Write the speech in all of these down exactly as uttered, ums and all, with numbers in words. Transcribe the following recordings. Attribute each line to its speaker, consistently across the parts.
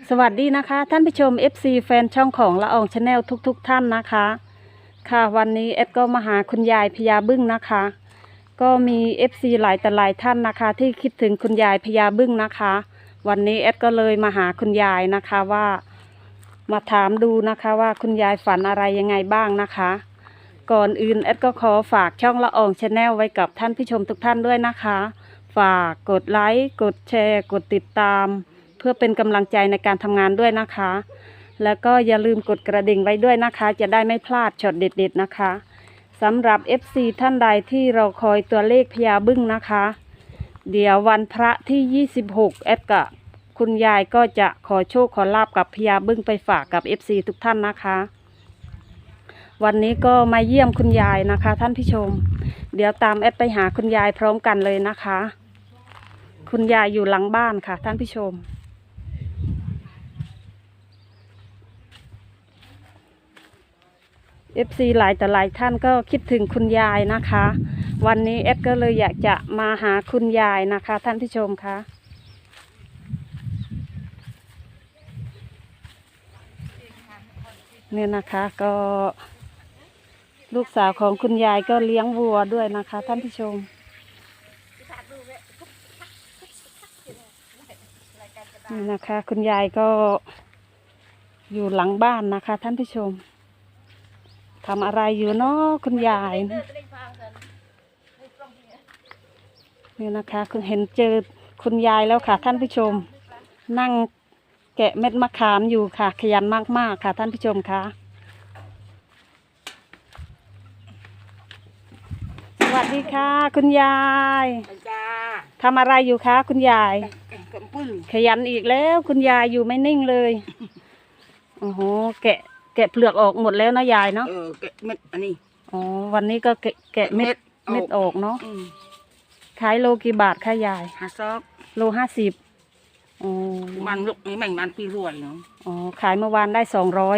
Speaker 1: สวัสดีนะคะท่านผู้ชม เอฟ ซี แฟนช่องของละอองชาแนลทุกๆทท่านนะคะค่ะวันนี้เอ็ดก็มาหาคุณยายพญาบึ้งนะคะก็มี เอฟ ซี หลายแต่หลายท่านนะคะที่คิดถึงคุณยายพญาบึ้งนะคะวันนี้เอ็ดก็เลยมาหาคุณยายนะคะว่ามาถามดูนะคะว่าคุณยายฝันอะไรยังไงบ้างนะคะก่อนอื่นเอ็ดก็ขอฝากช่องละอองชาแนลไว้กับท่านผู้ชมทุกท่านด้วยนะคะฝากกดไลค์กดแชร์กดติดตามเพื่อเป็นกำลังใจในการทำงานด้วยนะคะแล้วก็อย่าลืมกดกระดิ่งไว้ด้วยนะคะจะได้ไม่พลาดช็อตเด็ดๆนะคะสำหรับ เอฟ ซี ท่านใดที่เราคอยตัวเลขพญาบึ้งนะคะเดี๋ยววันพระที่ยี่สิบหกแอดกับคุณยายก็จะขอโชคขอลาบกับพญาบึ้งไปฝากกับ เอฟ ซี ทุกท่านนะคะวันนี้ก็มาเยี่ยมคุณยายนะคะท่านผู้ชมเดี๋ยวตามแอดไปหาคุณยายพร้อมกันเลยนะคะคุณยายอยู่หลังบ้านค่ะท่านผู้ชมเอฟซีหลายแต่หลายท่านก็คิดถึงคุณยายนะคะวันนี้เอดก็เลยอยากจะมาหาคุณยายนะคะท่านผู้ชมคะเนี่ยนะคะก็ลูกสาวของคุณยายก็เลี้ยงวัวด้วยนะคะท่านผู้ชมนี่นะคะคุณยายก็อยู่หลังบ้านนะคะท่านผู้ชมทำอะไรอยู่เนาะคุณยายนี่นะคะคุณเห็นเจอคุณยายแล้วค่ะท่านผู้ชมนั่งแกะเม็ดมะขามอยู่ค่ะขยันมากๆค่ะท่านผู้ชมคะสวัสดีค่ะคุณยายทำอะไรอยู่คะคุณยายขยันอีกแล้วคุณยายอยู่ไม่นิ่งเลยโอ้โหแกะแกะเปลือกออกหมดแล้วนะยายเนาะ
Speaker 2: เออแกะเม็ดอันนี้
Speaker 1: อ๋อวันนี้ก็แกะแกะเม็ดเม็ดออกเนาะขายโลกี่บาทคะยาย
Speaker 2: ห้าซอก
Speaker 1: โลห้าสิบอ๋อ
Speaker 2: มันลูกนี้มันมันปีรวยเนาะ
Speaker 1: อ๋อขายเมื่อวานได้สองร้อย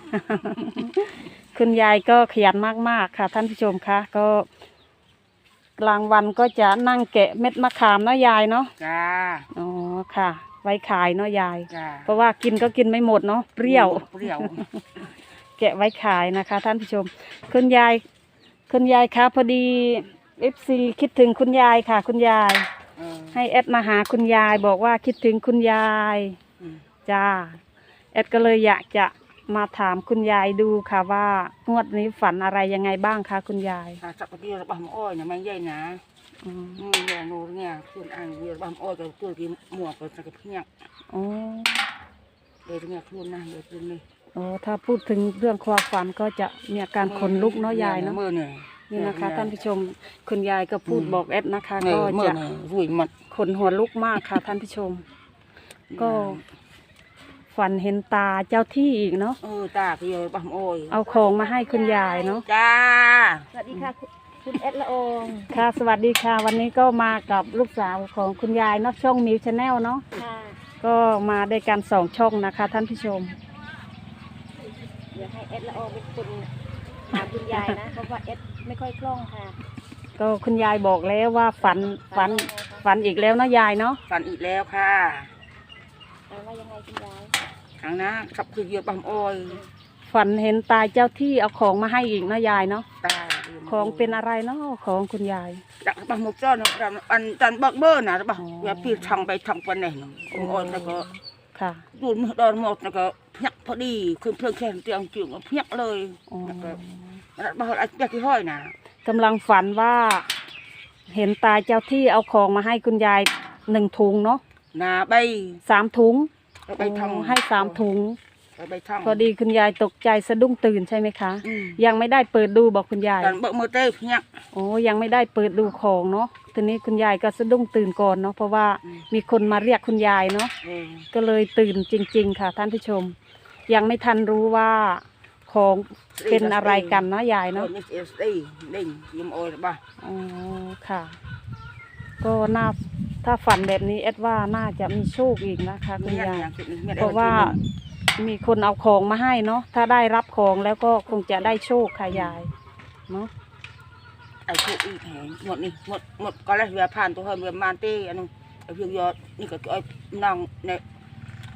Speaker 1: คุณยายก็ขยันมากๆค่ะท่านผู้ชมคะก็กลางวันก็จะนั่งแกะเม็ดมะขามเนาะยายเนาะ
Speaker 2: จ้า
Speaker 1: อ๋อค่ะไว้ขายเนาะยาย
Speaker 2: จ้า
Speaker 1: เพราะว่ากินก็กินไม่หมดเนาะเปรี้ยว
Speaker 2: เปรี้ยว
Speaker 1: แกะไว้ขายนะคะท่านผู้ชมคุณยายคุณยายคะพอดีเอฟซีคิดถึงคุณยายค่ะคุณยายให้แอดมาหาคุณยายบอกว่าคิดถึงคุณยายจ้าแอดก็เลยอยากจะมาถามคุณยายดูค่ะว่างวดนี้ฝันอะไรยังไงบ้างคะคุณยาย
Speaker 2: สักปะเดียวบ้ามอ้อยเนี่ยมันใหญ่นะอืมเนี่ยนูเนี่ยคุณอ่างเดียวบ้ามอ้อยกับตัวที่หมวกกับสักเพียง
Speaker 1: อ๋อ
Speaker 2: เดี๋ยวเนี่ยคุณนะเดี๋ยวคุณนี่
Speaker 1: โอ้ถ้าพูดถึงเรื่องความฝันก็จะมีอาการขนลุกเนาะยายเนาะนี่นะคะท่านผู้ชมคุณยายก็พูดบอกแอดนะคะก็จะขนหัวลุกมากค่ะท่านผู้ชมก็ฝันเห็นตาเจ้าที่อีกเนาะ
Speaker 2: เออตาพี่บ้ามอ้อย
Speaker 1: เอาของมาให้คุณยายเนาะ
Speaker 2: จ้า
Speaker 3: สวัสดีค่ะคุณเอสละออง
Speaker 1: ค่ะสวัสดีค่ะวันนี้ก็มากับลูกสาวของคุณยายเนาะช่องมิวชาแนลเนาะก็มาด้วยกันสองช่องนะคะท่านผู้ชม
Speaker 3: เดี๋ยวให้เอสละอองเป็นคนถามคุณยายนะเพราะว่าเอสไม่ค่อยคล่องค่ะ
Speaker 1: ก็คุณยายบอกแล้วว่าฝันฝันฝันอีกแล้วเนาะยายเนาะ
Speaker 2: ฝันอีกแล้วค่ะ
Speaker 3: ฝันว่ายังไงคุณยาย
Speaker 2: ครั้งนะขับคือเยอะบ้ามอ้อย
Speaker 1: ฝันเห็นตาเจ้าที่เอาของมาให้อีกเนาะยายเนาะ
Speaker 2: ตา
Speaker 1: ของเป็นอะไรเนาะของคุณยาย
Speaker 2: ดักบ้ามหมกจ้อนอันจันบักเบอร์นะบ้าอย่าพี่ทางไปทางวันไหนเนาะอ้อยแล้วก็
Speaker 1: ค่ะ
Speaker 2: ดูนดอนหมดแล้วก็เพียกพอดีคือเพลิงแค่เตียงจิ๋วเพียกเลยแล้วก็บ้าอะไรจะกี่ห้อยนะ
Speaker 1: กำลังฝันว่าเห็นตาเจ้าที่เอาของมาให้คุณยายหนึ่งถุงเนาะ
Speaker 2: นาใบ
Speaker 1: สามถุง
Speaker 2: ใบทอง
Speaker 1: ให้สามถุง
Speaker 2: ใบทอง
Speaker 1: พอดีคุณยายตกใจสะดุ้งตื่นใช่ไหมคะยังไม่ได้เปิดดูบอกคุณยาย
Speaker 2: เบิกมือเต้เพียก
Speaker 1: โอ้ยังไม่ได้เปิดดูของเนาะทีนี้คุณยายก็สะดุ้งตื่นก่อนเนาะเพราะว่ามีคนมาเรียกคุณยายเนาะก็เลยตื่นจริงๆค่ะท่านผู้ชมยังไม่ทันรู้ว่าของเป็นอะไรกันนะยายเนาะ
Speaker 2: เด้งยิ้มโอ้ยบ้า
Speaker 1: อ๋อค่ะก็น่าถ้าฝันแบบนี้เอ็ดว่าน่าจะมีโชคอีกนะคะคุณยายเพราะว่ามีคนเอาของมาให้เนาะถ้าได้รับของแล้วก็คงจะได้โชคค่ะยายเนาะ
Speaker 2: ไอ้โชคอีกแห่งหมดนี่หมดหมดก็แล้วเรือผ่านตัวเรือมาเต้อันนึงไอ้เพียงยอดนี่ก็ไอ้นางเนี่ย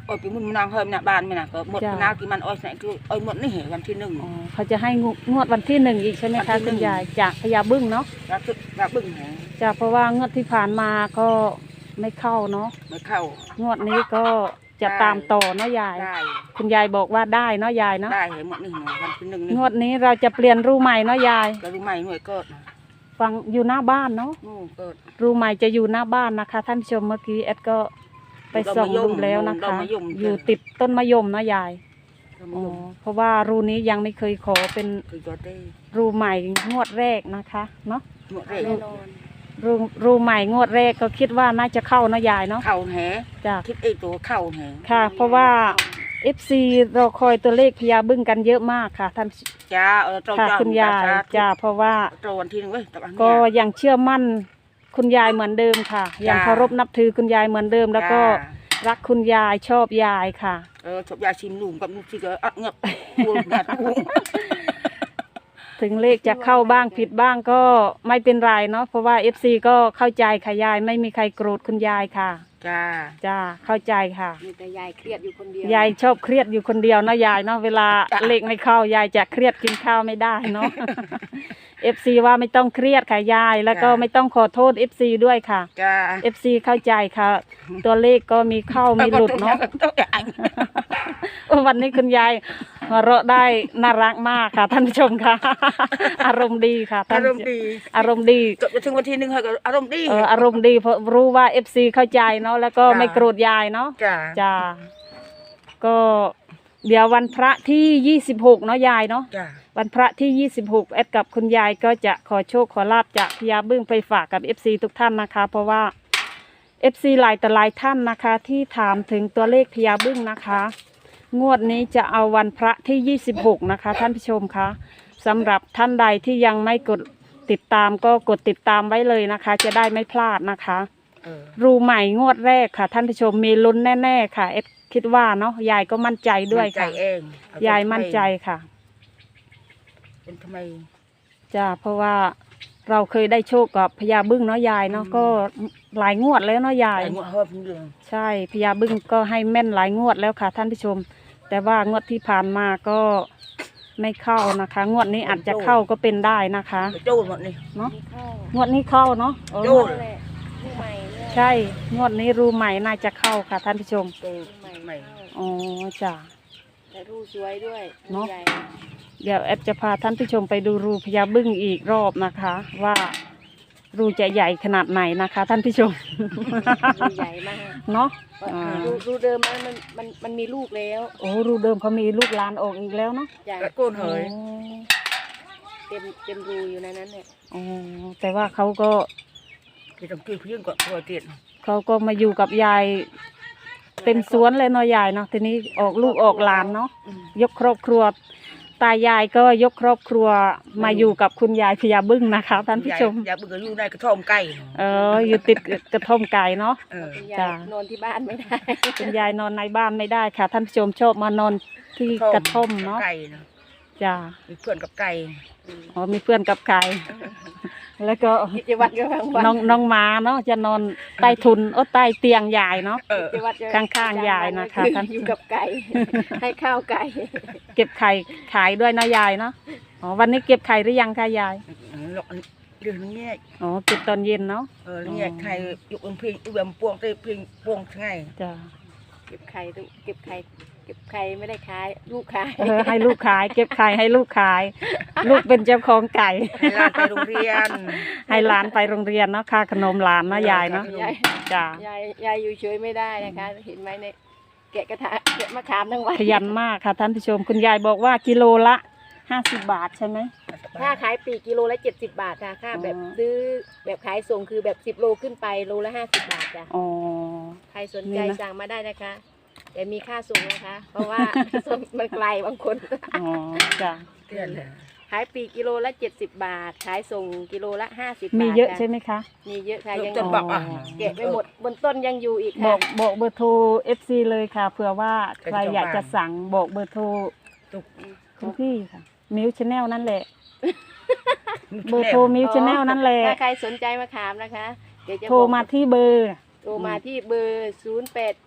Speaker 2: โอ้ยปีมุนนางเฮิมน่ะบ้านไม่น่ะก็หมด
Speaker 1: จ้ะ
Speaker 2: นากี่มันอ้อยใส่คืออ้อยหมดนี่เหวันที่หนึ่ง
Speaker 1: อ๋อเขาจะให้งวดวันที่หนึ่งอีกใช่ไหม
Speaker 2: วั
Speaker 1: คะ
Speaker 2: นที่หนึ่
Speaker 1: คุ
Speaker 2: ง
Speaker 1: ณยายจากพญาบึ้งเนาะ
Speaker 2: แล้วตึกแล้วบึ้งแหง
Speaker 1: จ้ะเพราะว่างวดที่ผ่านมาก็ไม่เข้าเนาะ
Speaker 2: ไม่เข้าง
Speaker 1: วดนี้ก็จะตามต่อเนาะยาย
Speaker 2: ได้
Speaker 1: คุณยายบอกว่าได้เนาะยายเนาะ
Speaker 2: ได้เหหมดนี่หน่อยวันที่หนึ่งนี่
Speaker 1: งวดนี้เราจะเปลี่ยนรูใหม่เนาะยาย
Speaker 2: ก็รู้ไหมหน่วยเกิด
Speaker 1: ฟังอยู่หน้าบ้านเนาะ
Speaker 2: นู่นเกิด
Speaker 1: รูใหม่จะอยู่หน้าบ้านนะคะ ท่านผู้ชมเมื่อกี้แอดก็ไปส่องดูแล้วนะคะ อยู่ติดต้นมะยมเนาะยาย
Speaker 2: ก็
Speaker 1: อ๋
Speaker 2: ไม่
Speaker 1: อ
Speaker 2: ยุ่ง
Speaker 1: เพราะว่ารูนี้ยังไม่เคยขอเป็น
Speaker 2: คือก็ได้
Speaker 1: รูใหม่งวดแรกนะคะเนาะ
Speaker 2: หมดเลย
Speaker 3: แน่นอน
Speaker 1: รูรูใหม่งวดแรกก็คิดว่าน่าจะเข้าเนาะยายเนาะ
Speaker 2: เข่าแห
Speaker 1: จ้ะ
Speaker 2: คิดไอ้ตัวเข่าแห
Speaker 1: ค่ะ เพราะว่า เอฟ ซี รอคอยตัวเลขพญาบึ้งกันเยอะมากค่ะท่าน
Speaker 2: จ้าเออตรง
Speaker 1: ค่ะ
Speaker 2: จ้า
Speaker 1: คุณยายจ้าเพราะว่า
Speaker 2: ตรงวันที่หนึ่งเว้ยตรงอัน
Speaker 1: ก็
Speaker 2: เนี้ย
Speaker 1: ยังเชื่อมั่นคุณยายเหมือนเดิมค่ะ ยัง
Speaker 2: จ้า
Speaker 1: เคารพนับถือคุณยายเหมือนเดิม แล้วก็
Speaker 2: จ้า
Speaker 1: รักคุณยายชอบยายค่ะ
Speaker 2: เออชอบยาชิมหนุ่มกับนุ่มที่ก็อัดเงือกปูนแบบปูน
Speaker 1: ถึงเลขจะเข้าบ้างผิดบ้างก็ไม่เป็นไรเนาะเพราะว่า เอฟ ซี ก็เข้าใจค่ะยายไม่มีใครโกรธคุณยายค่ะ
Speaker 2: จ้า
Speaker 1: จ้าเข้าใจค่ะ
Speaker 3: มีแต่ยายเครียดอยู่คนเดียวย
Speaker 1: ายชอบเครียดอยู่คนเดียวเนาะยายเนาะเวลาเลขไม่เข้ายายจะเครียดกินข้าวไม่ได้เนาะ เอฟ ซี ว่าไม่ต้องเครียดค่ะยายแล้วก็ไม่ต้องขอโทษ เอฟ ซี ด้วยค่ะ
Speaker 2: จ้า
Speaker 1: เอฟ ซี เข้าใจค่ะ ตัวเลขก็มีเข้ามีหลุดเนาะ
Speaker 2: ต้องอย่าง
Speaker 1: วันนี้คุณยายหัวเราะได้น่ารักมากค่ะ ท่านผู้ชมค่ะ อารมณ์ดีค่ะท่า
Speaker 2: อาน รมณ์ดี
Speaker 1: อารมณ์ดี
Speaker 2: จบไปถึงวันที่หนึ่งเขาก็อารมณ์ดี
Speaker 1: เอออารมณ์ดีเพราะรู้ว่า เอฟ ซี เข้าใจเนาะแล้วก็
Speaker 2: จ้ะ
Speaker 1: ไม่โกรธยายเนาะ
Speaker 2: จ้า
Speaker 1: จ้าก็เดี๋ยววันพระที่ยี่สิบหกเนาะยายเนาะ
Speaker 2: จ้า
Speaker 1: วันพระที่ยี่สิบหกแอดกับคุณยายก็จะขอโชคขอลาบจากพญาบึ้งไปฝากกับ เอฟ ซี ทุกท่านนะคะ เพราะว่า เอฟ ซี หลายแต่หลายท่านนะคะ ที่ถามถึงตัวเลขพญาบึ้งนะคะ งวดนี้จะเอาวันพระที่ยี่สิบหกนะคะท่านผู้ชมคะสำหรับท่านใดที่ยังไม่กดติดตามก็กดติดตามไว้เลยนะคะ จะได้ไม่พลาดนะคะ
Speaker 2: เออ
Speaker 1: รูใหม่งวดแรกค่ะ ท่านผู้ชมมีลุ้นแน่ๆค่ะเอ็ดคิดว่าเนาะยายก็มั่นใจด้วย
Speaker 2: ใจ
Speaker 1: ค่ะ
Speaker 2: เองเอ
Speaker 1: ยายมั่นใจค่ะ
Speaker 2: เป็นทำไม
Speaker 1: จ้าเพราะว่าเราเคยได้โชคกับพญาบึ้งเนาะยายเนาะ
Speaker 2: อืม
Speaker 1: ก็หลายงวดแล้วเนาะยาย
Speaker 2: ไอ้งวดเฮิบเรื่อง
Speaker 1: ใช่พญาบึ้งก็ให้แม่นหลายงวดแล้วค่ะ ท่านผู้ชม แต่ว่างวดที่ผ่านมาก็ไม่เข้านะคะ งวดนี้อาจจะเข้าก็เป็นได้นะคะ
Speaker 2: ไปโจ้หมดนี่
Speaker 1: เนาะ
Speaker 3: มีเข้าง
Speaker 1: วดนี้เข้าเนาะเออ
Speaker 2: โจ้
Speaker 1: งวด
Speaker 3: นั่นแหละผู้ใหม่เนี่ย
Speaker 1: ใช่งวดนี้รูใหม่น่าจะเข้าค่ะ ท่านผู้ชม
Speaker 2: โจ้
Speaker 3: ผู้ใหม่
Speaker 2: ใหม่
Speaker 3: เข้า
Speaker 1: อ๋อจ้า
Speaker 3: แต่รูสวยด้วย
Speaker 1: เนอะ
Speaker 3: ใหญ่
Speaker 1: เดี๋ยวแอดจะพาท่านผู้ชมไปดูรูพญาบึ้งอีกรอบนะคะ ว่ารูจะใหญ่ขนาดไหนนะคะ ท่านผู้ชม
Speaker 3: รูใหญ่มาก
Speaker 1: เนาะ
Speaker 3: อ่า
Speaker 1: อ่า
Speaker 3: รูรูเดิมมันมันมันมันมีลูกแล้ว
Speaker 1: โอ้รูเดิมเขามีลูกหลานออกอีกแล้วเนาะ
Speaker 3: ใหญ่
Speaker 2: กระโกนเหย
Speaker 3: เต็มเต็มรูอยู่ในนั้นเนี่ย
Speaker 1: อ๋อแต่ว่าเขาก็
Speaker 2: ที่ต้องกี้เพื่อนก่อนตัวเตียน
Speaker 1: เขาก็มาอยู่กับยายเต็มสวนเลยเนาะยายเนาะทีนี้ออกลูกออกหลานเนาะ
Speaker 2: อืม
Speaker 1: ยกครอบครัว ตายายก็ยกครอบครัวมาอยู่กับคุณยายพญาบึ้งนะคะ ท่านผู้ชม
Speaker 2: อย่าเบื่ออยู่ในกระท่อมไก่
Speaker 1: เอออยู่ติดกระท่อมไก่เนาะ
Speaker 2: เออ
Speaker 3: คุณยาย
Speaker 1: จ้ะ
Speaker 3: นอนที่บ้านไม่ได้
Speaker 1: คุณยายนอนในบ้านไม่ได้ค่ะ ท่านผู้ชมชอบมานอนที่กระท่อมเนาะ
Speaker 2: ไก่นะ
Speaker 1: จ้า
Speaker 2: มีเพื่อนกับไก่
Speaker 1: อ๋อมีเพื่อนกับไก่ แล้วก็
Speaker 3: กิจวัตรก็บางวัน
Speaker 1: น้องน้องหมาเนาะจะนอนใต้ทุนโอ้ใต้เตียงยายเนาะ
Speaker 2: เออ
Speaker 3: กิจวัตรก็
Speaker 1: ข้างๆยายนะคะ
Speaker 3: อ
Speaker 1: ท่าน
Speaker 3: อยู่กับไก่ ให้ข้าวไก่
Speaker 1: เก็บไข่ขายด้วยเนาะยายเนาะอ๋อวันนี้เก็บไข่หรือยังคะยาย
Speaker 2: หลอกเรื่องนี้
Speaker 1: อ๋อเก็บตอนเย็นเนาะ
Speaker 2: เออเนี่ยไข่ยุบเพียงอุบมพวงเตยเพียงพวงไง
Speaker 1: จ้า
Speaker 3: เก็บไข่ตุเก็บไข่เก็บไข่ไม่ได้ขายลูกขาย
Speaker 1: เออให้ลูกขาย เก็บไข่ให้ลูกขาย ลูกเป็นเจ้าของไก่
Speaker 2: ให้หลานไปโรงเรียน
Speaker 1: ให้หลานไปโรงเรียนเนาะค่าขนมหลานเนาะยายเนาะ
Speaker 3: ยาย
Speaker 1: จ้าย
Speaker 3: ายยายอยู่เฉยไม่ได้นะคะ เห็นไหมเนี่ยแกะกระทะแกะมะขามทั้งวัน
Speaker 1: ขยันมากค่ะท่านผู้ชมคุณยายบอกว่ากิโลละห้าสิบบาทใช่ไหม
Speaker 3: ค่าขายปลีกกิโลละเจ็ดสิบบาทค่ะค่าแบบ
Speaker 1: อ๋อ
Speaker 3: ซื้อแบบขายส่งคือแบบสิบโลขึ้นไปโลละห้าสิบบาทจ้ะ
Speaker 1: อ๋อ
Speaker 3: ใครสน
Speaker 1: นี่
Speaker 3: ใจ
Speaker 1: นะ
Speaker 3: สั่งมาได้นะคะ แต่มีค่าส่งนะคะ เพราะว่า ส่งมันไกลบางคน
Speaker 1: อ๋อจ้ะ
Speaker 2: เตือนเลย
Speaker 3: ขายปลีกกิโลละเจ็ดสิบบาท ขายส่งกิโลละห้าสิบบาท
Speaker 1: มีเยอะ
Speaker 3: ค่
Speaker 1: ใช่ไหมคะ
Speaker 3: มีเยอะค่ะยัง
Speaker 2: จนบอกอ่ะ
Speaker 3: แกะไม่หมดบนต้นยังอยู่อีก
Speaker 1: บ
Speaker 3: ค่ะ
Speaker 1: อกบอกเบอร์โทร เอฟ ซี เลยค่ะเผื่อว่าใครอยากจะสั่งบอกเบอร์โทร
Speaker 2: ตุก
Speaker 1: คุณพี่ค่ะมิวชแนลนั่นแหละ เบอร์โทรมิวชแนลนั่นแหละ
Speaker 3: ถ้าใครสนใจมาขามนะคะ เดี๋ยวจะ
Speaker 1: โทรมาที่เบอร์
Speaker 3: โทรมาที่เบอร์ศูนย์แปดเจ็ดห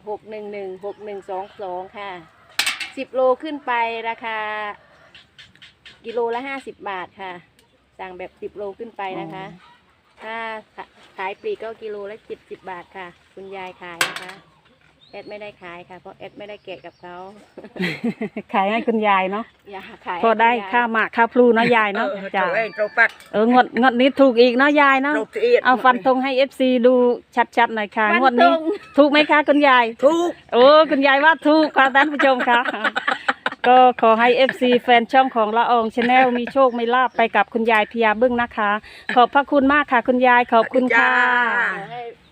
Speaker 3: หกหนึ่งหนึ่งหกหนึ่งสองสองค่ะสิบโลขึ้นไปราคากิโลละห้าสิบบาทค่ะสั่งแบบสิบโลขึ้นไปนะคะ ถ้าขายปลีกก็กิโลละเจ็ดสิบบาทค่ะ คุณยายขายนะคะแอดไม่ได้ขายค่ะเพราะแอดไม่ได้แกะกับเขา
Speaker 1: ขายให้คุณยายเนาะ
Speaker 3: อย่าขาย
Speaker 1: พอได้
Speaker 3: ให้คุณยย
Speaker 1: ค่าหมากค่าพลูเนาะยายเนาะ
Speaker 2: เออ
Speaker 1: จ้ะ
Speaker 2: โตเองโตปัด
Speaker 1: เอองดงดนี้ถูกอีกเนาะยายเนาะ
Speaker 2: โตเอียด
Speaker 1: เอาฟันธงให้เอฟซีดูชัดๆหน่อยค่ะ
Speaker 3: ฟัน
Speaker 1: งวดนี้
Speaker 3: ธง
Speaker 1: ถูกไหมคะคุณยาย
Speaker 2: ทุก
Speaker 1: โอ้คุณยายว่าถูกค่ะท่านผู้ชมค่ะ ก็ขอให้เอฟซีแฟนช่องของละอองชาแนลมีโชคมีลาภไปกับคุณยายพญาบึ้งนะคะ ขอบพระคุณมากค่ะ คุณยายขอบคุณค่ะ
Speaker 3: ให้